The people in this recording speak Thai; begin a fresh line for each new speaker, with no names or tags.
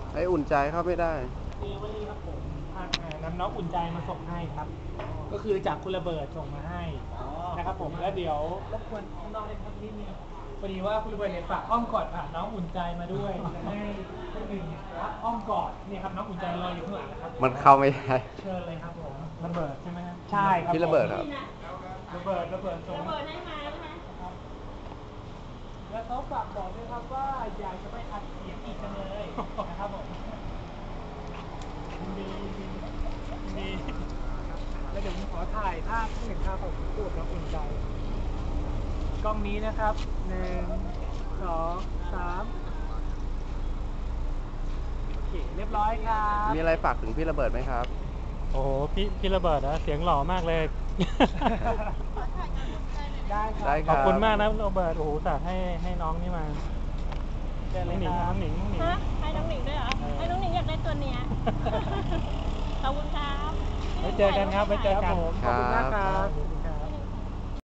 ไอ้อุ่นใจเข้าไม่ได้
คือวันนี้ครับผมนำน้องอุ่นใจมาส่งให้ครับก็คือจากคุณระเบิดส่งมาให้นะครับผมแล้วเดี๋ยวรบกวนน้องๆเลยครับนิดนึงพอดีว่าคุณระเบิดเนี่ยฝากอ้อมกอดผ่านน้องอุ่นใจมาด้วยจะให้คนอื่นรับอ้อมกอดนี่ครับน้องอุ่นใจรออยู่ข้างหลังนะครับ
มันเข้าไม่ได้
เชิญเลยครับผมระเบิดใช่ไหมครับใช่ครับ
พี่ระเบิดครับ
ระเบิดส่งระเบิดให้มาครับแล้วเขาฝากบอกด้วยครับว่าอยากจะไปอัดเสียงอีกจังเลยนะครับผมดีแล้วเดี๋ยวผมขอถ่ายภาพที่หนึ่งภาพของพูดน้องอุ่นใจกล้องนี้นะครับ1 2 3โอเคเรียบร้อยครับ
มีอะไรฝากถึงพี่ระเบิดไหมครับ
โอ้โหพี่ระเบิดนะเสียงหล่อมากเลย
ได้ค
ได้
รับ
ค
ข
รั
อบคุณมากนะโรเบิร์ตโอ้โหสัตว์ให้น้องนี่มา
เชิญ
น้
เล
อง
ย
หนิง
ครับ
น้องหนิง
ฮะให้น้องหนิงด้วยเหรอ ให้น้องหนิงอยากได้ตัวเนี้ย ขอบคุณครับ
ไว้เจอกันครับไว้เจอกัน
ขอบคุณมากครับ